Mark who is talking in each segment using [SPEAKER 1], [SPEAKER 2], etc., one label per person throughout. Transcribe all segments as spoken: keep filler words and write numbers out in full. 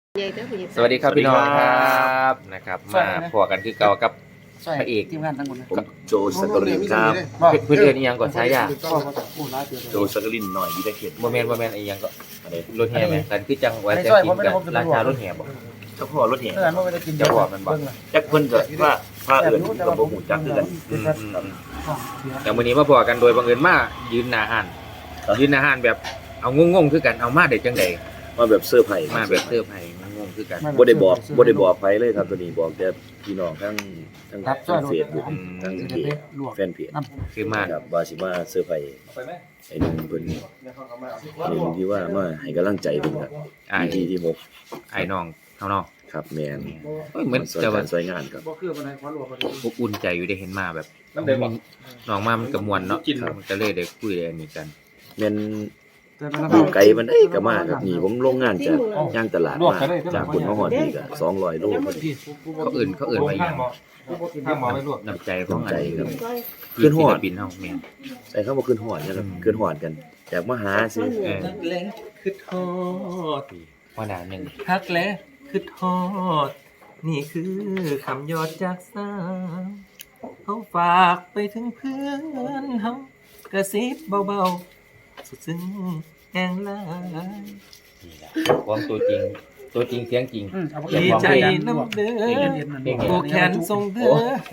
[SPEAKER 1] สวัสดีครับพี่น้องครับนะครับมาพอกันคือเก่ากับพระเอก
[SPEAKER 2] ทีมงานทั้งหมดเลย
[SPEAKER 3] ผมโจสักกลินครับ
[SPEAKER 1] เพื่อนเพื่อนอีหยังก่อนใช้ยา
[SPEAKER 3] โจสักกลินหน่อยวิทยาเขต
[SPEAKER 1] โมเมนต์โมเมนต์อีหยังก็
[SPEAKER 3] อะไร
[SPEAKER 1] รถแห่ไหมกันคือจังไว้แต่กินกันราชารถแห่บอก
[SPEAKER 3] เจ้าพ่อรถแห่
[SPEAKER 2] เพื่อนไม่ได้กิน
[SPEAKER 1] จะบอกมันบอก
[SPEAKER 3] จักเพิ่นก็ว่าพระเอื่นกับบ่หูจักคือกัน
[SPEAKER 1] อืมอืมอืมอย่างวันนี้มาพอกันโดยบังเอิญมายืนหน้าห้านยืนหน้าห้านแบบเอางงๆคือกันเอามาได้จังใด
[SPEAKER 3] มาแบบเสื้อร์ไผ่
[SPEAKER 1] มาแบบเสื้อไผ่งงๆคือกัน
[SPEAKER 3] บ่ได้บอกบ่ได้บอกไผเลยครับตัวนี้บอกแต่พี่น้องทั้งทั้งทั้งเฟซบุ๊กทั้งเพจแฟนเพจ
[SPEAKER 1] คือมา
[SPEAKER 3] ครับว่าสิมาเสื้อร์ไผ่ไอ้หนึงเพิ่นหนึงที่ว่ามาให้กำลังใจเพิ่นครับ
[SPEAKER 1] ไอ้
[SPEAKER 3] ที่ที่หก
[SPEAKER 1] ไอ้น้องเท่าน้อง
[SPEAKER 3] ครับแม่น
[SPEAKER 1] เอ้ยเหมือน
[SPEAKER 3] สวย
[SPEAKER 1] จะ
[SPEAKER 3] กา
[SPEAKER 1] ว่า
[SPEAKER 3] รสวยงานครับ
[SPEAKER 2] บ่คือบ่ได้ขอรัวบ่ได้
[SPEAKER 1] อบอุ่นใจอยู่ได้เห็นมาแบบน้องมามันกระมวลเนาะมันก็เลยได้คุยได้อันนี้กัน
[SPEAKER 3] แม่น
[SPEAKER 2] แต่มัน
[SPEAKER 3] อยู่ไกลมันเอ้ยก็มาครับนี่ผมลงงานจากย่างตลาดมาจากคนมาฮอดนี่ก็สองร้อยโลพอดี
[SPEAKER 1] เขาอื่นเขาอื่นไปอย่าง
[SPEAKER 2] ข้างหมอไม่รวบ
[SPEAKER 1] น้ำใจของอะไร
[SPEAKER 3] ครับ
[SPEAKER 1] ขึ้นหอดบินเฮาแม่น
[SPEAKER 3] ใส่เข้ามาขึ้นฮอดนะครับขึ้นฮอดกันอยากมาหาซื้อ
[SPEAKER 1] เออ
[SPEAKER 4] ฮักแลคือทอด
[SPEAKER 1] ว่าหนาหนึ่ง
[SPEAKER 4] ฮักแลคือทอด นี่คือคำยอดจากสาวเขาฝากไปถึงเพื่อนเฮากระซิบเบาๆสุดซึ้งแห่งหลาย
[SPEAKER 1] นี่แหละความตัวจริง ตัวจริงเสียงจริง
[SPEAKER 4] ดีใจน้ำเด้อโบแขนทรงเด้อ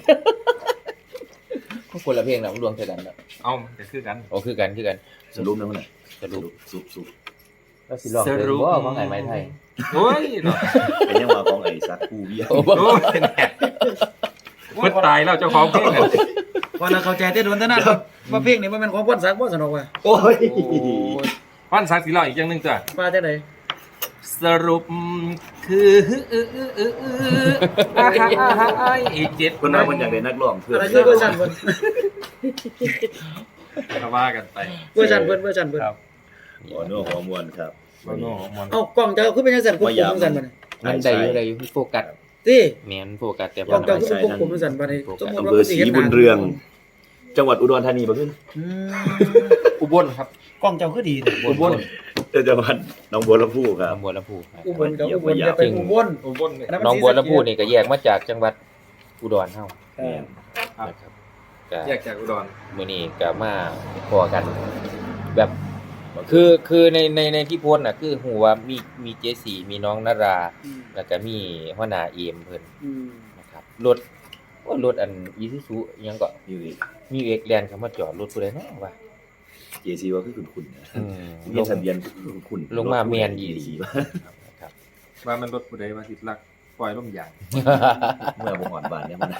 [SPEAKER 1] ก็คนละเพลงนะดวงเท่ากันเนาะ
[SPEAKER 4] เอาจะคือกัน
[SPEAKER 1] โอ้คือกันคือกัน
[SPEAKER 3] สรุปนะมันน่ะ
[SPEAKER 1] สรุป
[SPEAKER 3] สุบสุบ
[SPEAKER 1] แล้วสิลองเดินบ่ของไอ้ไม้ไทย
[SPEAKER 4] โอ้ยเนาะ
[SPEAKER 3] เป็นยังว่าของไอ้สัตว์กูเบี้ย
[SPEAKER 1] โอ้
[SPEAKER 4] โอ้ยเป็นแหกมันตายแล้วเจ้าของเพลงอะ
[SPEAKER 2] ว่าเราเข้าใจแต่โดนแต่นั้นว่าเพลงนี้มันเป็นของพ่นสักบ่สนุกว่ะ
[SPEAKER 3] โอ้ย
[SPEAKER 4] วันสักสีเหล่าอีกอย่างหนึ่งจ้ะ
[SPEAKER 2] ว่าจังได๋
[SPEAKER 4] สรุปคืออาหารไอ้เจ็ด
[SPEAKER 3] คนนั้นมันอยากได้นักร้องเพื่อน
[SPEAKER 2] อะไรคือเวอร์ชันเพิ่น
[SPEAKER 4] ก็ว่ากันไป
[SPEAKER 2] เวอร์ชันเพิ่นเวอร์ชันเพิ่น
[SPEAKER 4] ครับ
[SPEAKER 3] หัวนัวหัวมวนครับ
[SPEAKER 4] โอ้โหมวน
[SPEAKER 2] เอ้ากล้องเจ้าคือเป็นจังซั่นควบคุมจังซั่นบัดนี้
[SPEAKER 1] มันได้อยู่ได้อยู่โฟกัส
[SPEAKER 2] ติ
[SPEAKER 1] แม่นโฟกัสแต่
[SPEAKER 2] กล้องเจ้าคือเป็นควบคุมจังซั่นบัดนี้สมมุติ
[SPEAKER 3] อำ
[SPEAKER 2] ว่า
[SPEAKER 3] เภอศรีบุญเรือง จังหวัดอุดรธานีบ่ขึ้น
[SPEAKER 2] อืม
[SPEAKER 4] อุบลครับ
[SPEAKER 2] กล้องเจ้าคือดีแต่
[SPEAKER 1] อุบล
[SPEAKER 3] จังหวัดหนองบัวลำพูครับ
[SPEAKER 1] หนองบัวลำพูครับ
[SPEAKER 2] อุบลกับอุบลอย่าไปอุบล
[SPEAKER 4] อุบลเนี่ย
[SPEAKER 1] หนองบัวลำพูนี่ก็แยกมาจากจังหวัดอุดรเฮา
[SPEAKER 2] เออ
[SPEAKER 1] นะครับก็
[SPEAKER 4] แยกจากอุดร
[SPEAKER 1] มื้อนี้ก็มาพอกัน แบบคือคือในในในที่โพสต์น่ะคือฮู้ว่ามีมีเจสีมีน้องนารา
[SPEAKER 2] อืม
[SPEAKER 1] แล้วก็มีหัวหน้าเอมเพิ่น
[SPEAKER 2] อืม
[SPEAKER 1] นะครับรถว่ารถอัน Isuzu อิหยังก็
[SPEAKER 3] อยู่นี่
[SPEAKER 1] มีเอกแลนด์เข้ามาจอดรถผู้ใดเนาะว่า
[SPEAKER 3] เจซีว่าคือคุณคุณนะ
[SPEAKER 1] อืม
[SPEAKER 3] มีทะเบียนคือคุณคุณ
[SPEAKER 1] ลงมาแม่นอีหลี ครับ
[SPEAKER 4] ว่ามันรถผู้ใดว่าสิลักปล่อยลมยาง
[SPEAKER 3] เมื่อบ่ฮอดบ้านเนี่ยมัน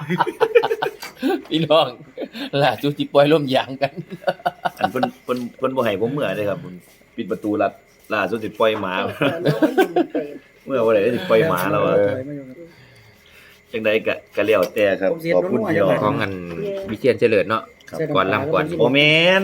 [SPEAKER 1] พี่น้องล่าสุดที่ปล่อยลมยางกัน
[SPEAKER 3] อันเพิ่นเพิ่นเพิ่นบ่ให้ผมเมื่อเด้ครับเพิ่นปิดประตูลัดล่าสุดสิปล่อยหมา เมื่อบ่ได้สิปล่อยหมาแล้วอะ จังใดก็ก็แล้วแต่ครับขอบคุณพี่น้อง
[SPEAKER 1] ของอันวิเชียนเจริญเนาะ
[SPEAKER 3] ครับ
[SPEAKER 1] ก่อนลำก่อน
[SPEAKER 3] โอแมน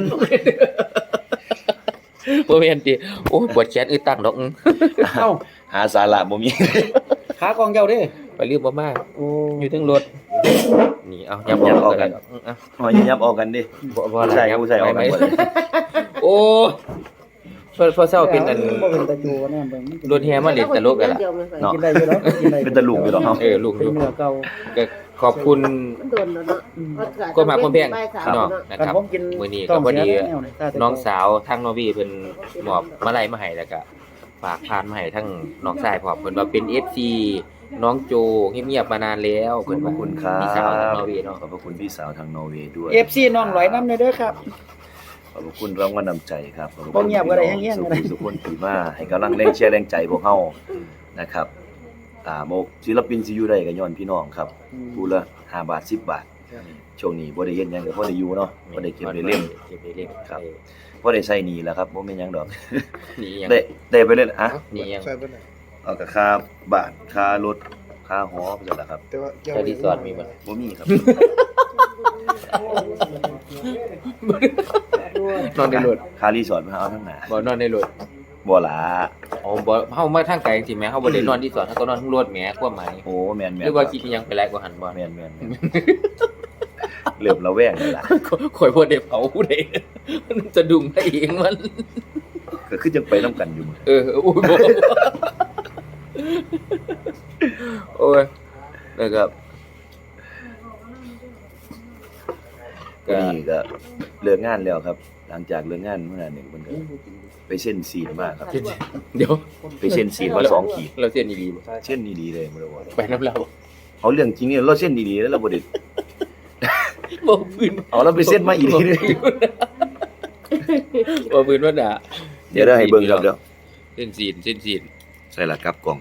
[SPEAKER 1] บ่แม่นติโอ้ยปวดแขนอึดตั้งดอก
[SPEAKER 2] เอ้า
[SPEAKER 3] หาสาระบ่มี
[SPEAKER 2] ขากล้องเจ้าเด้
[SPEAKER 1] ไปลืมบ่มา
[SPEAKER 2] โอ้
[SPEAKER 1] อยู่ถึงรถนี่เอายับออกกันเอา
[SPEAKER 3] หอยยับออกกันดิ
[SPEAKER 1] บ่บ่
[SPEAKER 3] ผู้ชายกับผู้ชายออกกันหมดเลย
[SPEAKER 1] โอ้พอพอเช้าเป็นอัน
[SPEAKER 2] บ่เป็นตะจูแน่เบิ่ง
[SPEAKER 1] รถแห่มาเล่นตลกกันล่ะ
[SPEAKER 3] เนาะ
[SPEAKER 2] กินได้อยู่แล้วกินได้
[SPEAKER 3] เป็นตะลุกอยู่ดอกเฮา
[SPEAKER 1] เออลูก
[SPEAKER 2] เป็น
[SPEAKER 1] อยู่
[SPEAKER 2] เนื้อเก่า
[SPEAKER 1] ก็ขอบคุณ
[SPEAKER 5] มันโดนแล้วเนาะ
[SPEAKER 1] ก็มาคนแพงเนาะนะ
[SPEAKER 2] กัน
[SPEAKER 1] ครับ
[SPEAKER 2] ผมกิน
[SPEAKER 1] มื้อนี้ก็พอดีน้องสาวทางนอร์เวย์เพิ่นมอบมาลัยมาให้แล้วก็ฝากพานมาให้ทั้งน้องชายพร้อมเพิ่นว่าเป็น เอฟ ซี น้องโจเงียบๆมานานแล้ว
[SPEAKER 3] ขอ
[SPEAKER 1] เพิ่น
[SPEAKER 3] บ
[SPEAKER 1] ว่า
[SPEAKER 3] คุณครับ
[SPEAKER 1] พี่สาวทางนอร์เวย์เนาะ
[SPEAKER 3] ขอบพระคุณพี่สาวทางนอร์เวย์ด้วย
[SPEAKER 2] เอฟซีน้องหลอยน้ำเด้อครับ
[SPEAKER 3] ขอบพระคุณรางวัลนำใจครับขอบพระ
[SPEAKER 2] บ่
[SPEAKER 3] คุณ
[SPEAKER 2] เงียบก็ได้แห้งๆก็ได้
[SPEAKER 3] ทุกคนที่มาให้กำลังแรงเชียร์แรงใจพวกเฮานะครับอ่าโมกศิลปินสิอยู่ได้ก็ย้อนพี่น้องครับผู้ละห้าบาทสิบบาทช่วงนี้บ่ได้เฮ็ดหยังก็พอได้อยู่เนาะบ่ได้เก็บได้เล่ม
[SPEAKER 1] เก็บได้เล่ม
[SPEAKER 3] ครับ พอได้ใช้หนี้แล้วครับบ่แม่นหยังดอก
[SPEAKER 1] นี่ยัง
[SPEAKER 3] ได้ได้ไปเลยอะ
[SPEAKER 1] นี่ยัง
[SPEAKER 3] เอากับค่าบ้านค่ารถค่าหอไปซั่นล่ะครับ
[SPEAKER 1] แต่รีสอร์ทมีบ่
[SPEAKER 3] บ่มีครับ
[SPEAKER 1] นอนในรถ
[SPEAKER 3] ค่ารีสอร์ทมาเอาทั้งหน้า
[SPEAKER 1] บ่นอนในรถ
[SPEAKER 3] บ่ล่ะ
[SPEAKER 1] อ๋อบ่เฮามาทางไกลจริงๆแหมเฮาบ่ได้นอนรีสอร์ทเฮาก็นอนทั้งรถแหมความหมาย
[SPEAKER 3] โอ้แม่น
[SPEAKER 1] ห
[SPEAKER 3] ๆ
[SPEAKER 1] รือว่าคิดอิหยังไปหลายกว่าหันบ่
[SPEAKER 3] แม่นๆแม่นๆเริ่มระแวงแล้วล่ะ
[SPEAKER 1] ข่อยบ่ได้เผาผู้ใดมันจะดุ้งไปเองมัน
[SPEAKER 3] ก็คือจังไปนํกันอยู่
[SPEAKER 1] เอออุ้ยบ่โอ้ยนะครับ
[SPEAKER 3] ก็นี่ก็เลิกงานแล้วครับ หลังจากเลิกงานเมื่อนั้นหนึ่งมันก็ไปเส้นซีนมาครับ
[SPEAKER 1] เดี๋ยว
[SPEAKER 3] ไปเส้นซีนมาสองขีด
[SPEAKER 1] เราเส้นดีๆบ่
[SPEAKER 3] เส้นดีๆเลยบ่ได้ว่า
[SPEAKER 1] ไปน้ำเรา
[SPEAKER 3] เอาเรื่องจริงเนี่ยเราเส้นดีๆแล้วเราบ่ได้
[SPEAKER 1] บ่พื้น
[SPEAKER 3] เอาเราไปเส้นมาอีกทีนึง
[SPEAKER 1] บ่พื้นว่าด่า
[SPEAKER 3] เดี๋ยวได้ให้เบิ่งครับเดี๋ยว
[SPEAKER 1] เส้นซีนเส้นซีน
[SPEAKER 3] ใส่ละกลับกล่อง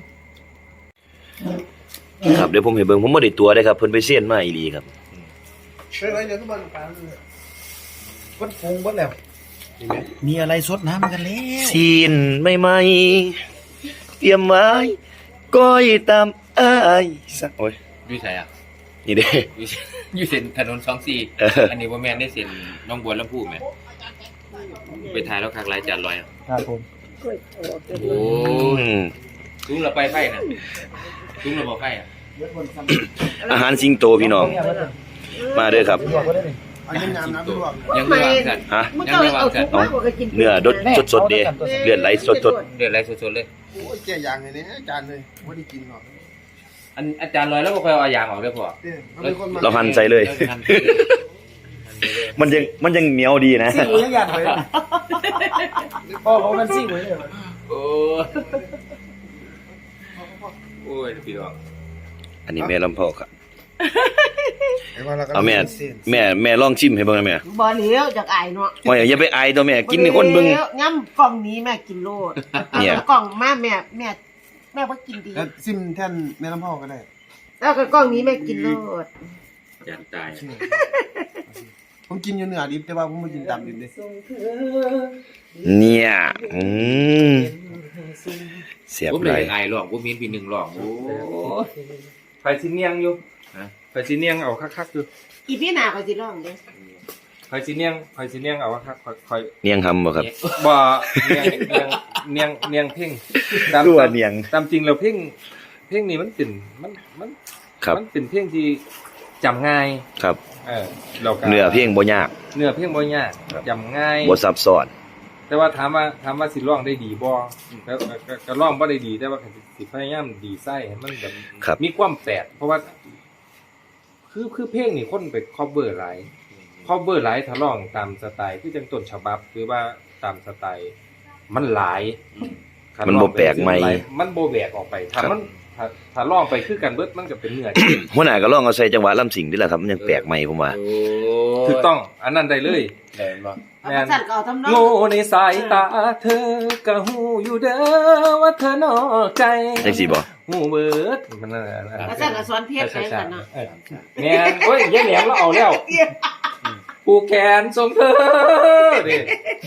[SPEAKER 3] ครับเดี๋ยวผมให้เบิ่งผมบ่ได้ตัวเด้ครับเพิ่นไปเส้นมาอีหลีครับ
[SPEAKER 2] เฮ้ยเดี๋ยวทุกคนกลางวัดฟงวัดแล้วมีอะไรสดน้ำกันแล้ว
[SPEAKER 3] ซีนใหม่ๆเตรียมไว้ก้อยตามอ้ายสักโอ้ย
[SPEAKER 1] อยู่ไสอ่ะ
[SPEAKER 3] นี่เด้
[SPEAKER 1] อยู่อยู่เส้นถนนสองสี่
[SPEAKER 3] เอออั
[SPEAKER 1] อันนี้บ่แม่นได้เส้นหนองบัวลำพูแม่นไปถ่ายแล้วคักหลายจานร้อยอะ
[SPEAKER 2] ครับผม
[SPEAKER 1] โอ้
[SPEAKER 3] อืม
[SPEAKER 1] ลุงเราไปไฟน่ะลุงเราบ่ไฟอ่ะ
[SPEAKER 3] อาหารสิงโตพี่น้อง มาเด้อครับ
[SPEAKER 2] อันนี้น้ำน้ำลวก
[SPEAKER 1] ยังไม่วางกัน
[SPEAKER 3] ฮะ
[SPEAKER 5] มึงก็เอาทุกมากกว่ากิน
[SPEAKER 3] เนื้อดดสดๆเด้เลือดไหลสด
[SPEAKER 1] เดือดอะไรสดๆเลย
[SPEAKER 2] โอ้ยแก่ยางเลยเนี่ยอาจารย์เลยไม่ได้กินหรอก
[SPEAKER 1] อันอาจารย์ลอยแล้วบ่ค่อยเอายางออกเด้อพ่อ
[SPEAKER 2] เนี่ยมันเป็นคนมา
[SPEAKER 3] ๆเราหั่นใส่เลย
[SPEAKER 1] หั่นไปเลย
[SPEAKER 3] มันยังมันยังเหนียวดีนะ
[SPEAKER 2] ซิ่งยังยันไว้พ่อเขามันซิ่งไว้เลย
[SPEAKER 1] โอ้โอ้ยพี่น้อง
[SPEAKER 3] อันนี้แม่ลำพ่อครับเอาแม่แม่แม่ลองชิมให้เบิ่งนะแม่
[SPEAKER 5] บ่เหลียวจากไอ้เนาะ
[SPEAKER 3] โอ้ยอย่าไปอายตัวแม่กินให้คนเบิ่ง
[SPEAKER 5] ย้ำกล่องนี้แม่กินโลด
[SPEAKER 3] เนี่ย
[SPEAKER 5] กล่องมาแม่แม่แม่ว่ากินดี
[SPEAKER 2] แล้วซิมแท่นแม่ลำพ่อก็ได้
[SPEAKER 5] แล้วก็กล่องนี้แม่กินโลด
[SPEAKER 1] จานตาย
[SPEAKER 2] ผมกินอยู่เนื้อดิบแต่ว่าผมไม่กินตามดิบเลย
[SPEAKER 3] เนี่ยอืมเสียบ
[SPEAKER 1] ผม
[SPEAKER 3] เล
[SPEAKER 1] เลย
[SPEAKER 3] ย
[SPEAKER 1] อายร้องบ่มีพี่หนึ่งร้องโอ้
[SPEAKER 4] ไฟสิเนียงอยู่
[SPEAKER 1] ฮะ
[SPEAKER 4] ไฟสิเนียงเอาคักๆอยู่
[SPEAKER 5] อีพี่หนาก็สิร้องเด้อ
[SPEAKER 4] ไฟสิเนียงไฟสิเนียงเอาคักๆค่อย
[SPEAKER 3] เนียงหำบ่ครับ
[SPEAKER 4] ๆบ่เนียงเนียงเนียงเนียงเพ่งตาม
[SPEAKER 3] ตัวเนียง
[SPEAKER 4] ตามจริงแล้วเพ่งเพ่งนี่มันเป็นมันมัน
[SPEAKER 3] ครับ
[SPEAKER 4] มันเป็นเพลงที่จำง่าย
[SPEAKER 3] ครับ
[SPEAKER 4] เออเราก็
[SPEAKER 3] เนื้อเพลงบ่ยาก
[SPEAKER 4] เนื้อเพลงบ่ยาก
[SPEAKER 3] ครับ
[SPEAKER 4] จำง่าย
[SPEAKER 3] บ่ซับซ้อน
[SPEAKER 4] แต่ว่าถามว่าถามว่าสิร้องได้ดีบ่แล้วก็ก็ก็ร้องบ่ได้ดี แต่ว่าก็สิพยายามดีไส้ให้มันแบบ
[SPEAKER 3] ครับ
[SPEAKER 4] มีความแปลกเพราะว่า คือคือเพลงนี่คนไป cover หลาย cover หลายถ้าร้องตามสไตล์คือจังต้นฉบับหรือว่าตามสไตล์มันหลายคั
[SPEAKER 3] มันบ่แปลกใหม่
[SPEAKER 4] ร้องไปมันบ่แบกออกไปถ้า
[SPEAKER 3] ครับ
[SPEAKER 4] มันถ้าถ้าร้องไปคือกันเบิดมันก็เป็นเนื้อ
[SPEAKER 3] หัวหน้าก็ลองเอาใส่จังหวะลำสิงนี่แหละครับมันยังแปลกใหม่ผมว่า
[SPEAKER 1] โอ้
[SPEAKER 4] ถูกต้อง อันนั้นได้เลย
[SPEAKER 1] ได้บ่
[SPEAKER 5] เอามาสั่นก็เอาทำนอง
[SPEAKER 4] โง่ในสายตาเธอก็หูอยู่เด้อว่าเธอนอกใจ
[SPEAKER 3] จังสิบ่
[SPEAKER 4] หูเบิดมันนั่นแหละ
[SPEAKER 5] มาสั่นก็สอนเพียรไปกันเนาะ
[SPEAKER 4] เออแม่นโอ้ยยายแหลมเราเอาแล้วปูแขนทรงเธอดิ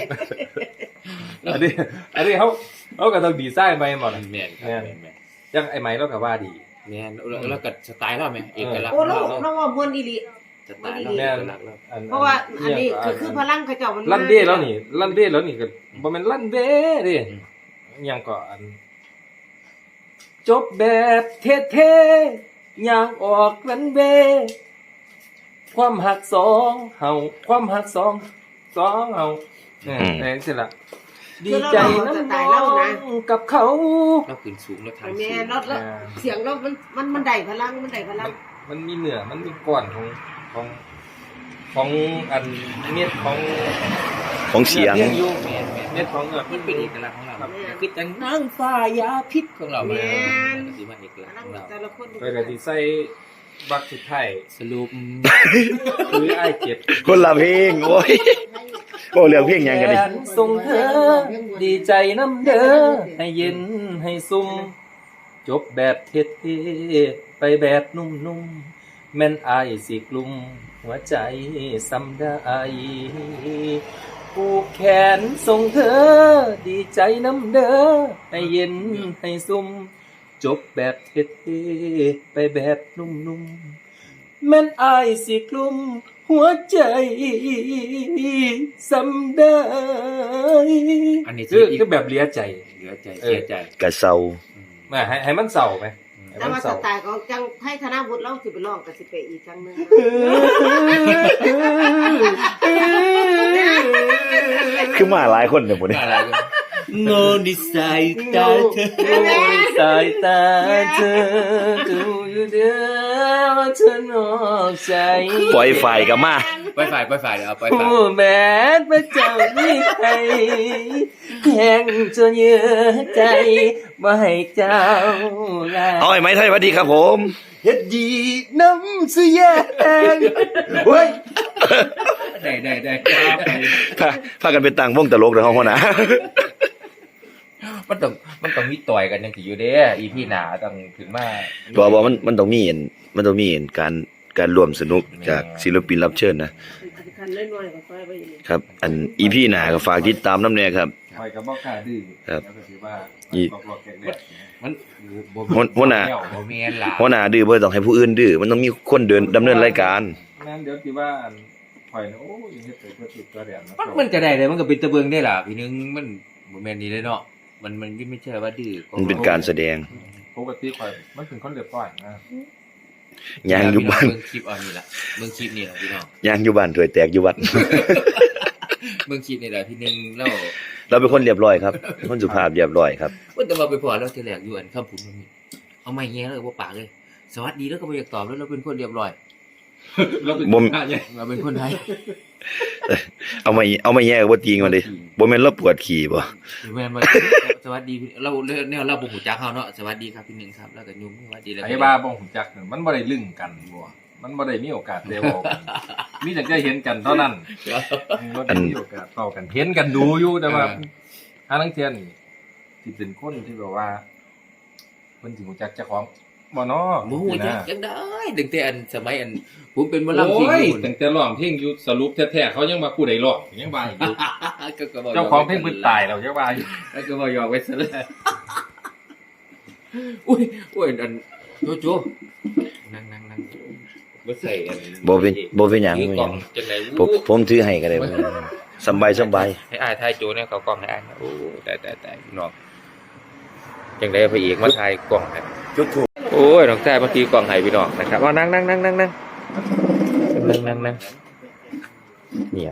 [SPEAKER 4] อันนี้อันนี้เขาเขาก็ต้องดีไซน์ไปหมด
[SPEAKER 1] แม่นครับ
[SPEAKER 4] แม่น
[SPEAKER 1] แม่นแม่น
[SPEAKER 4] ยังไอ้ไหมเราก็ว่าดี
[SPEAKER 1] แม่นแล้วแล้วก็สไตล์เราแม่เอกลักษณ์
[SPEAKER 5] โอ้เรา
[SPEAKER 1] เรา
[SPEAKER 5] เราว่าม่วนอีหลี
[SPEAKER 1] สไตล์เราเอกลักษณ์เรา
[SPEAKER 5] เพราะว่าอันนี้คือคือพลังเขาเจ้ามัน
[SPEAKER 4] ลั่นเด้แล้วนี่ลั่นเด้แล้วนี่ก็บ่แม่นลั่นเด้ดิ
[SPEAKER 1] อืม
[SPEAKER 4] ยังก็อัน จบแบบเท่ๆอย่างออกลั่นเด้ความหักสองเฮาความหักสองสองเฮาเนี่ยแรงสิล่ะดีใจน้ำน้องกับเขา
[SPEAKER 1] เราขึ้นสูงแล้วทาง
[SPEAKER 5] แม่
[SPEAKER 1] สูง
[SPEAKER 5] รถแล้วเสียงเรามันมันมันได้พลังมันได้พลัง
[SPEAKER 4] มันมีเหนือมันมีก้อนของของของอันเม็ดของ
[SPEAKER 3] ของเสียง
[SPEAKER 4] เนื้ออยู่
[SPEAKER 1] แม่นแม่น
[SPEAKER 4] เม็ดของเออ
[SPEAKER 1] มันเป็นเอกลักษณ์ของเราคือจังนางฟ้ายาพิษของเรามาสิมันเอกลักษณ์ของเรา
[SPEAKER 5] แต่ละคน
[SPEAKER 4] ไปกะที่ใส่บักสุดท้าย
[SPEAKER 1] สรุป
[SPEAKER 4] คือไอ้ายเจ็บ
[SPEAKER 3] คนละเพลงโอ้ยโอ้เรื่องเพลงหยังกันดิ
[SPEAKER 4] แขนส่งเธอ ดีใจน้ำเด้อให้เย็นให้ซุ่มจบแบบเท่ๆไปแบบนุ่มๆแม่นอายสิกลุ่มหัวใจสำได้ผูกแขนส่งเธอ ดีใจน้ำเด้อให้เย็นให้ซุ่มจบแบบเท่ๆไปแบบนุ่มๆแม่นอายสิกลุ่มหัวใจสำได้
[SPEAKER 1] อันนี้
[SPEAKER 4] คือ
[SPEAKER 1] อีก
[SPEAKER 4] คือแบบเหลียใจ
[SPEAKER 1] เหลือใจเสียใจ
[SPEAKER 3] กะเซา
[SPEAKER 4] แม่ให้ให้มันเศร้าไหมให้
[SPEAKER 5] แต่
[SPEAKER 4] มัน
[SPEAKER 5] ว่าส
[SPEAKER 4] เศร้า
[SPEAKER 5] ไตล์ของจังให้ธนวุฒิเราสิไปร้องก็สิไปอีกครั้งนึง
[SPEAKER 3] คือมาหลายคนเนี่ยหมดนี่
[SPEAKER 1] อะไรกัน
[SPEAKER 3] โง่ในสายตาเธอ
[SPEAKER 4] สายตาเธอดูอยู่เด้อว่าเธอนอกใจ
[SPEAKER 3] ปล่อยไฟกับมา
[SPEAKER 1] ไปฝ่ายไปฝ่ายเดี๋ยวเอาไปฝ่าย
[SPEAKER 4] ผู้แม้พระเจ้าไม่ให้แห้งจนเยื่อใจบ่ให้เจ้าลา
[SPEAKER 3] เอาไอ้ไม้ไทยสวัสดีครับผม
[SPEAKER 4] เฮ็ดดีน้ำสุแยงเฮ้ย
[SPEAKER 1] ได้ได้ได้
[SPEAKER 3] พาพากันไปตั้งวงตลกเด้อเฮาหัวหน้า
[SPEAKER 1] มันต้องมันต้องมีต่อยกันยังสิอยู่เด้อีพี่หนาต้องขึ้นมา
[SPEAKER 3] บ่บ่มันมันต้องมีเห็นมันต้องมีเห็นการการร่วมสนุกจากศิลปินรับเชิญนะ
[SPEAKER 5] คันน้อยๆก็ค่อยไปอีก
[SPEAKER 3] ครับ อัน อี พี หน้าก็ฝากติดตามนำแน่ครับ
[SPEAKER 4] คอยกับบ่กล้าดื้อ
[SPEAKER 3] ครับ
[SPEAKER 4] แล้วก็ถือว่า
[SPEAKER 3] อี
[SPEAKER 4] บอกหลอกแกกๆ
[SPEAKER 1] มันบ่
[SPEAKER 3] หัวหัวหน้า
[SPEAKER 1] บ่แม่นล่ะ
[SPEAKER 3] หัวหน้าดื้อบ่ต้องให้ผู้อื่นดื้อมันต้องมีคนเดินดำเนินรายการ
[SPEAKER 4] นั่นเดี๋ยวที่ว่าอันข่อยนะโอ้ยเฮ็ดไปเพื่อติดตัวแดนนะ
[SPEAKER 1] มันมันก็ได้เลยมันก็เป็นตะเบิงได้ล่ะพี่นึงมันบ่แม่นนี่เลยเนาะมันมันไม่ใช่ว่าดื้อ
[SPEAKER 3] มันเป็นการแสดง
[SPEAKER 4] ปกติข่อยมันเป็นคนเรียบร้อยนะ
[SPEAKER 3] ยางอยู่บ้าน
[SPEAKER 1] เบิ่งคลิปเอานี่ล่ะเบิ่งคลิปนี่ล่ะพี่น้อง
[SPEAKER 3] ยางอยู่บ้านถวยแตกอยู่วัด
[SPEAKER 1] เบิ่งคลิปนี่ล่ะพี่นึงเรา
[SPEAKER 3] เราเป็นคนเรียบร้อยครับเป็นคนสุภาพเรียบร้อยครับ
[SPEAKER 1] ว่าแต่ว่าไปพอแล้วทีแรกอยู่อันคำพูดมันมีเอาไม่แย่เลยบ่ปากเลย สวัสดีแล้วก็บ่อยากตอบแล้วเราเป็นคนเรียบร้อย
[SPEAKER 4] เราเป็น
[SPEAKER 3] บ่ม
[SPEAKER 4] พระเนี่ย
[SPEAKER 1] เราเป็นคนไทย
[SPEAKER 3] เอามาเอามาแยกบ่ตีงมาดิบ่แม่นเราปวดขี่บ่
[SPEAKER 1] แม่นบ่สวัสดีพี่เราแนวเราบ่ฮู้จักเฮาเนาะสวัสดีครับพี่นึงครับแล้วก็ยุ่มสวัสดีแล้วก็
[SPEAKER 4] ไอ้บ้าบ่ฮู้จักนั่นมันบ่ได้ลึงกันบ่มันบ่ได้มีโอกาสได้เว้ากันมีแต่ได้เห็นกันเท่านั้นบ่ได้มีโอกาสเว้ากันเห็นกันดูอยู่แต่ว่าหาลังเที่ยนี่สิเป็นคนที่แบบว่าเพิ่นสิฮู้จักเจ้าของบ่เนาะ
[SPEAKER 1] บ่ฮู้จักจังได้ตั้งแต่อันสมัยอันผมเป็นหมอลำ
[SPEAKER 4] โอ้
[SPEAKER 1] ที่
[SPEAKER 4] ย
[SPEAKER 1] อยู่
[SPEAKER 4] ตั้งแต่ร้องเพลงอยู่สรุปแท้ๆเขายังมาผู้ใดร้องยังว่าอยู่
[SPEAKER 1] ก็ก็บ่
[SPEAKER 4] เจ้าของเพลงเพิ่นตายแล้วยังว่าอยู่
[SPEAKER 1] แล้วก็บ่ยอมไว้ซะเลยอุ้ยอุ้ยอันโจโจนั่งนั่งนั่งบ่ใส่อัน
[SPEAKER 3] บ่เป็นบ่เป็นหยัง
[SPEAKER 1] ถือ
[SPEAKER 3] บ่เป็น
[SPEAKER 1] ก
[SPEAKER 3] ห
[SPEAKER 1] ล่อ
[SPEAKER 3] ยัง ง
[SPEAKER 1] จังได๋
[SPEAKER 3] ผมผมถือให้ก็ได้บ่สำบายสำบาย
[SPEAKER 1] ให้อายถ่ายโจเนี่ยเขากล้องให้อายโอ้ตายๆๆพี่น้องจังได๋พระเอกมาถ่ายกล้องให้
[SPEAKER 3] จุดถูก
[SPEAKER 1] โอ้ยน้องชายเมื่อกี้กล่องไห้พี่น้องนะครับเอานั่งนั่งนั่งนั่งนั่งนั่งนั่งนั่งเนี่ย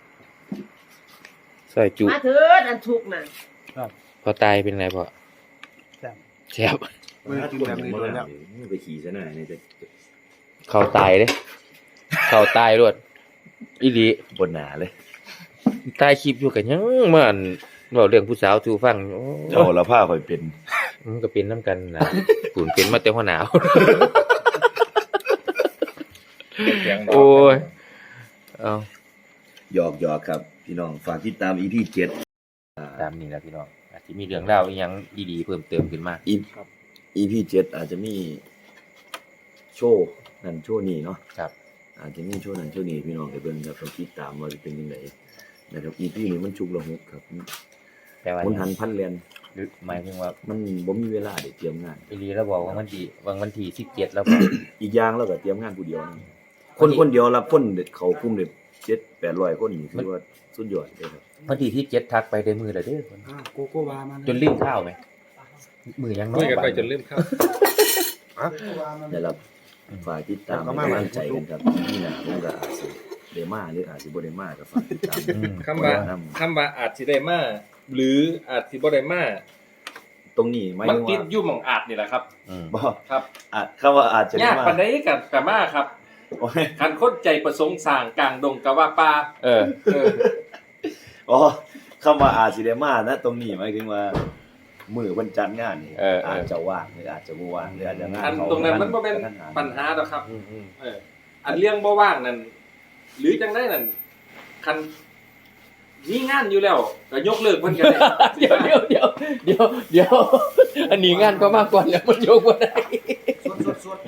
[SPEAKER 1] ซอยจุ
[SPEAKER 5] มาเถิดอันทุกข์น่ะ
[SPEAKER 1] พอตายเป็นไงพ่อแซ่บ
[SPEAKER 4] มื้อกินแบบนี้โดนแล้ว
[SPEAKER 3] ไปขี่ซะหน่อยนี่จะ
[SPEAKER 1] เขาตายเด้เขาตายรวดอีหลี
[SPEAKER 3] บนหนาเลย
[SPEAKER 1] ตายคลิปอยู่กันยังมันเว้าเรื่องผู้สาวสู่ฟังโอ้
[SPEAKER 3] เจ้าละผ้าข่อยเป็น
[SPEAKER 1] มันก็เป็นน้ำกันนะปุ่นเป็นมาแต่หัวหนาวโอ้ยเอา
[SPEAKER 3] หยอกหยอกครับ พี่น้องฝากติดตาม อี พี เจ็ด
[SPEAKER 1] ตามนี้แหละพี่น้องอาจจะมีเรื่องเล่าวอีหยังดีๆเพิ่มเติมขึ้นมา
[SPEAKER 3] อี อี พี เจ็ดอาจจะมีโชว์นั่นโชว์นี้เนาะ
[SPEAKER 1] ครับ
[SPEAKER 3] อาจจะมีโชว์นั่นโชว์นี้พี่น้องไปเบิ่งครับต้องติดตามว่าจะเป็นยังไงนะครับ อี พี นี้มันชุกละหุกครับ
[SPEAKER 1] แต่ว่า
[SPEAKER 3] มันหันพันเรียน
[SPEAKER 1] หรือหมายถึงว่า
[SPEAKER 3] มันบ่มีเวลาได้เตรียมงาน
[SPEAKER 1] อีหลีเราบอกว่ามันที่วันวันที่สิบเจ็ดแล้วก็
[SPEAKER 3] อีกอย่างเราก็เตรียมงานผู้เดียวนะคนคนเดียวรับคนเขากลุ่มได้เจ็ดแปดร้อยคนนี่คือว่าสุดยอดเลยครับ
[SPEAKER 1] วันที่ที่เจ็ดทักไปได้มือเลยเด้อ
[SPEAKER 2] โกโก้วามัน
[SPEAKER 1] จนลืมข้าวไหมมือยังน้อ
[SPEAKER 4] คุย
[SPEAKER 1] ย
[SPEAKER 4] กันไปจนลืมครับ
[SPEAKER 3] ได้รับฝ่ายติดตามให้กำลังใจกันครับนี่นะผมก็อาจสิเดมาหรืออาจสิบ่ได้มาก็ฝากติดตาม
[SPEAKER 1] อืม
[SPEAKER 4] คำว่าคำว่าอาจสิได้มาหรืออาจสิบ่ได้มา
[SPEAKER 3] ตรงนี้หมาย
[SPEAKER 4] มัน
[SPEAKER 3] ถึง
[SPEAKER 4] ติด
[SPEAKER 3] ว่า
[SPEAKER 4] อยู่หม่องอาจนี่แหละครับ
[SPEAKER 1] อืม
[SPEAKER 3] บ่
[SPEAKER 4] ครับ
[SPEAKER 3] อาจคำว่าอาจจะได้
[SPEAKER 4] ยาก
[SPEAKER 3] มา
[SPEAKER 4] ปานใดกับกะมาครับ
[SPEAKER 3] โอ้ย
[SPEAKER 4] คันคนใจประสงค์สร้างกลางดงกะว่าป่า
[SPEAKER 1] เออ
[SPEAKER 4] เออ
[SPEAKER 3] อ๋อคำว่าอาจสิได้มานะตรงนี้หมายถึงว่ามื้อวันจัดงานนี่
[SPEAKER 1] เออเอออ
[SPEAKER 3] อาจจะว่างหรืออาจจะบ่ว่างหรืออาจจะงาน
[SPEAKER 4] อัน
[SPEAKER 3] เขา
[SPEAKER 4] ตรงนั้นมันบ่เป็น
[SPEAKER 3] กระทันหัน
[SPEAKER 4] ปัญหาดอกครับ
[SPEAKER 1] อืมอืม
[SPEAKER 4] เออ อันเรื่องบ่ว่างนั่นหรือจังได๋นั่นคันมีงานอยู่แล้วก็ยกเลิกเพิ่นก็ได้
[SPEAKER 1] เดี๋ยวเดี๋ยวเดี๋ยวเดี๋ยวเดี๋ยวอันนี้งานก็มากกว่าแล้วมันโยกว่าได้
[SPEAKER 2] สดสด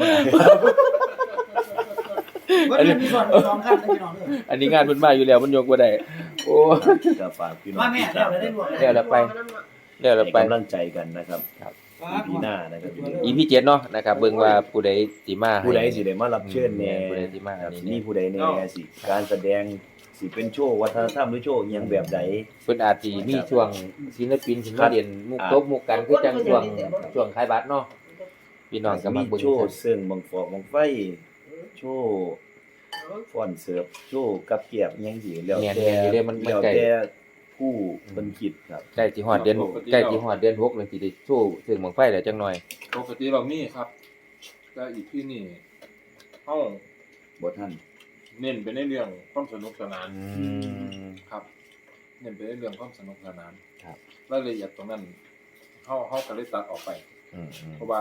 [SPEAKER 2] อันนี้มีส่วนสองขั้นนะพี่น้องเด้อ
[SPEAKER 1] อันนี้งานมันมาอยู่แล้วมันโยกว่าได้โอ้
[SPEAKER 3] ก็ฝากพี่น้อง
[SPEAKER 2] มาแม่
[SPEAKER 3] ติด
[SPEAKER 2] เดี๋
[SPEAKER 3] ตาย ม
[SPEAKER 2] วได้รวม
[SPEAKER 1] เดี๋ยวเราไปเดี๋ยวเรา
[SPEAKER 3] ให้
[SPEAKER 1] ไป
[SPEAKER 3] กำลังใจกันนะครับ อี พี หน้านะครับ
[SPEAKER 1] อีพีเจ็ดเนาะนะครับเบิ่งว่าผู้ใดสิมาให้
[SPEAKER 3] ผู้ใดสิได้มารับเชิญแหน่
[SPEAKER 1] ผู้ใดสิมา
[SPEAKER 3] ครับ
[SPEAKER 1] อันนี้
[SPEAKER 3] สิมีผู้ใดแหน่สิการแสดงสิเป็นโชว์วัฒนธรรมหรือโชว์อิหยังแบบใด
[SPEAKER 1] เพิ่นอาจสิมีช่วงศิลปินสิมาเรียนมุกตบมุกกันคือจังช่วงช่วงขายบัตรเนาะพี่น้องก็มา
[SPEAKER 3] มี
[SPEAKER 1] เบิ่ง
[SPEAKER 3] โชว์เสื่องบังฟอกบังไฟโชว์ฟ้อนเสิร์ฟโชว์กับเกียบอิหยังสิแล้ว
[SPEAKER 1] แม่น
[SPEAKER 3] แต่
[SPEAKER 1] ๆอยู่เด้มันมัน
[SPEAKER 3] แล้ว
[SPEAKER 1] ใกล้
[SPEAKER 3] แต่ผู้เพิ่นคิดครับ
[SPEAKER 1] ใกล้สิฮอดเดือนใกล้สิฮอดเดือนหกแล้วสิได้โชว์ซึ่งบังไฟแล้วจังหน่อย
[SPEAKER 6] ปกติเรามีครับแต่อีกที่นี่เฮา
[SPEAKER 3] บ่ทัน
[SPEAKER 6] เน้นไปในเรื่องความสนุกสนาน
[SPEAKER 1] อืม
[SPEAKER 6] ครับ เน้นไปในเรื่องความสนุกสนาน
[SPEAKER 1] ครับ
[SPEAKER 6] รายละเอียดตรงนั้นเฮาเฮาก็เลยตัดออกไป
[SPEAKER 1] อืมอืม
[SPEAKER 6] เพราะว่า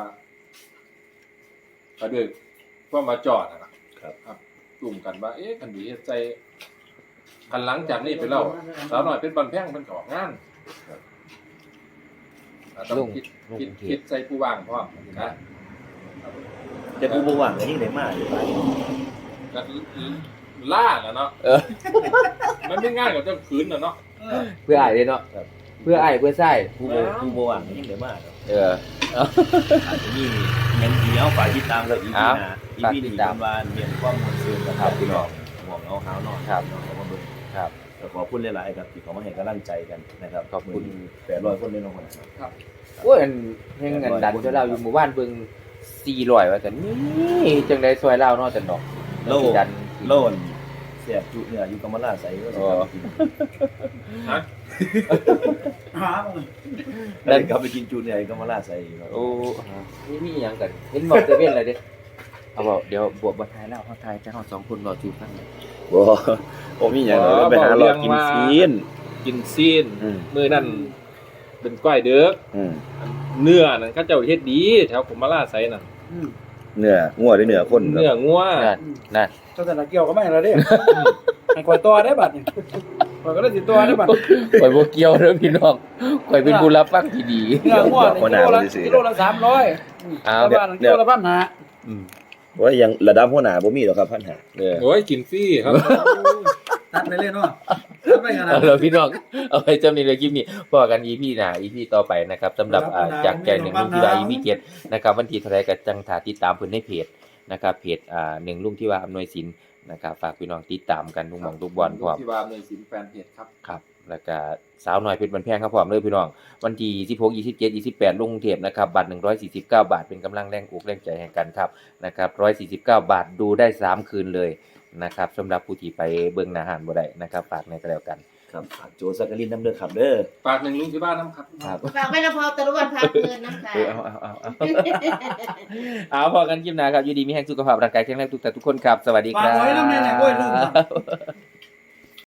[SPEAKER 6] ก็ด้วยความมาจอดอะนะครับ ครับกลุ่มกันว่าเอ๊ะคันดีเฮ็ดใจคันหลังจากนี้ไปแล้วสาวน้อยเป็นบันแพงมันก็ออกงานครับอ่าต้องคิด
[SPEAKER 1] ลุง
[SPEAKER 6] คิด
[SPEAKER 1] เที
[SPEAKER 6] คิ
[SPEAKER 1] ย
[SPEAKER 6] ดใจผู้ว่างพร้อมนะ
[SPEAKER 3] แต่ผู้บ่ว่างก็ยังได้มาอยู่ไป
[SPEAKER 6] ก็ล่าน่ะเนาะ
[SPEAKER 1] เออ
[SPEAKER 6] มันไม่ง่ายกว่าจะขืนน่ะเนาะ
[SPEAKER 1] เพื่ออ้ายเด้เนาะเพื่ออ้ายเพื่อไส้
[SPEAKER 3] ผู้บ่ผู้บ่ว่างก็ยังได้มาครับ
[SPEAKER 1] เออ
[SPEAKER 3] อาจจะมียังเดียวฝากติดตามกับอีพี
[SPEAKER 1] อ้าว
[SPEAKER 3] หน้าอี
[SPEAKER 1] ฝาก
[SPEAKER 3] พี
[SPEAKER 1] ติ
[SPEAKER 3] นี้
[SPEAKER 1] ดตาม
[SPEAKER 3] ว่าเรียนความมวลซื่นกับ
[SPEAKER 1] ครับ
[SPEAKER 3] พี่น้องหมวกเอาหาวนอน
[SPEAKER 1] ครับ
[SPEAKER 3] พี่น้องเอามาเบิ่ง
[SPEAKER 1] ครับ
[SPEAKER 3] ก็ขอบคุณหลายๆครับที่เขามาให้กำลังใจกันนะครับ
[SPEAKER 1] ขอบคุณ
[SPEAKER 3] แปดร้อยคนในโรงพยาบาล
[SPEAKER 1] โอ้ยอันเพลงอันดันเจ้าเราอยู่หมู่บ้านเบิ่งสี่ร้อยว่าแต่นี่จังได๋ซอยลาวเนาะจันดอก
[SPEAKER 3] โล
[SPEAKER 1] สิดัน
[SPEAKER 3] โลนเสียบจุเนี่ยอยู่กำมะลาใสก็สิครับกิน
[SPEAKER 6] ฮะ
[SPEAKER 2] หา
[SPEAKER 3] ได้กลับไปกินจุเนี่ยกำมะลาใสครับ
[SPEAKER 1] โอ้นี่มีหยังกันเห็นบอกเซเว่นเลยเด้เอาบอกเดี๋ยวบวกบ่ทายแล้วเฮาทายจะเฮาสองคนรอจูฟังเลย
[SPEAKER 3] บ่ผมมีหยังเลยไปหาหลอกกินซีน
[SPEAKER 6] กินซีน
[SPEAKER 3] อืม
[SPEAKER 6] มื้อนั้นเป็นก้อยเด้อ
[SPEAKER 3] อืม
[SPEAKER 6] เนื้อนั่นเขาเจ้าเฮ็ดดีแถวกุมาลาไสนั่น
[SPEAKER 3] เนื้องัวหรือเนื้อคนครับ
[SPEAKER 6] เนื้องัว
[SPEAKER 1] นั่นนั่น
[SPEAKER 2] เจ้าแต่ละเกี่ยวก็ไม่แล้วเด้ให้คอยตัวได้บัดนี่คอยก็ได้สิตัวได้บัด
[SPEAKER 1] ข่อยบ่เกี่ยวเด้อพี่น้องข่อยเป็นผู้รับฟังที่ดี
[SPEAKER 2] เนื้องัวนี่กิโลละกิโลละสามร้อย
[SPEAKER 1] อ้า
[SPEAKER 2] แต่
[SPEAKER 1] ว
[SPEAKER 2] บ้านกิโลละพันห้า
[SPEAKER 1] อืม
[SPEAKER 3] ว่ายังระดับหัวหน้าบ่มีหรอกครับพันหา
[SPEAKER 1] เออ
[SPEAKER 6] โอ้ยกินฟรีครับ
[SPEAKER 2] ตัดไปเลยเนาะตัดไปขนาด
[SPEAKER 1] เอาล่ะพี่น้องเอาไว้จำนี้เลยคลิปนี้พอกัน อี พี หน้า อี พี ต่อไปนะครับสำหรับอ่าจากใจหนึ่งลุงที่ว่า อี พี เจ็ดนะครับวันที่เท่าไหร่ก็จังถ้าติดตามเพิ่นในเพจนะครับเพจอ่าหนึ่งลุงที่ว่าอำนวยสินนะครับฝากพี่น้องติดตามกันทุกหม่องทุกบอลพร้อม
[SPEAKER 6] ที่ว่าในสินแฟนเพจครับ
[SPEAKER 1] ครับแล้วก็สาวน้อยเพชรบันแพงครับพร้อมเลยพี่น้องวันที่ยี่สิบหก ยี่สิบเจ็ด ยี่สิบแปดลงกรุงเทพนะครับบัตรหนึ่งร้อยสี่สิบเก้าบาทเป็นกำลังแรงอกแรงใจแห่งกันครับนะครับหนึ่งร้อยสี่สิบเก้าบาทดูได้สามคืนเลยนะครับสำหรับผู้ที่ไปเบิ่งหน้าหานบ่ได้นะครับฝากในก็แล้วกัน
[SPEAKER 3] ครับฝากโจสักกลินน้ำเด้อครับเด้อ
[SPEAKER 6] ฝากหนึ่งลุงที่บ้านน้ำครับ
[SPEAKER 1] ครับ
[SPEAKER 5] ฝากไว้นะพอตะลุวันพักเงินน้ำค่ะ
[SPEAKER 1] เออเอาเอาเอาเอาเอาพอกันคลิปหน้าครับอยู่ดีมีแห่งสุขภาพร่างกายแข็งแรงทุกท่านทุกคนครับสวัสดีค
[SPEAKER 2] ฝาก
[SPEAKER 1] รับ
[SPEAKER 2] ไว้นำแน่ๆโอ้ยลุง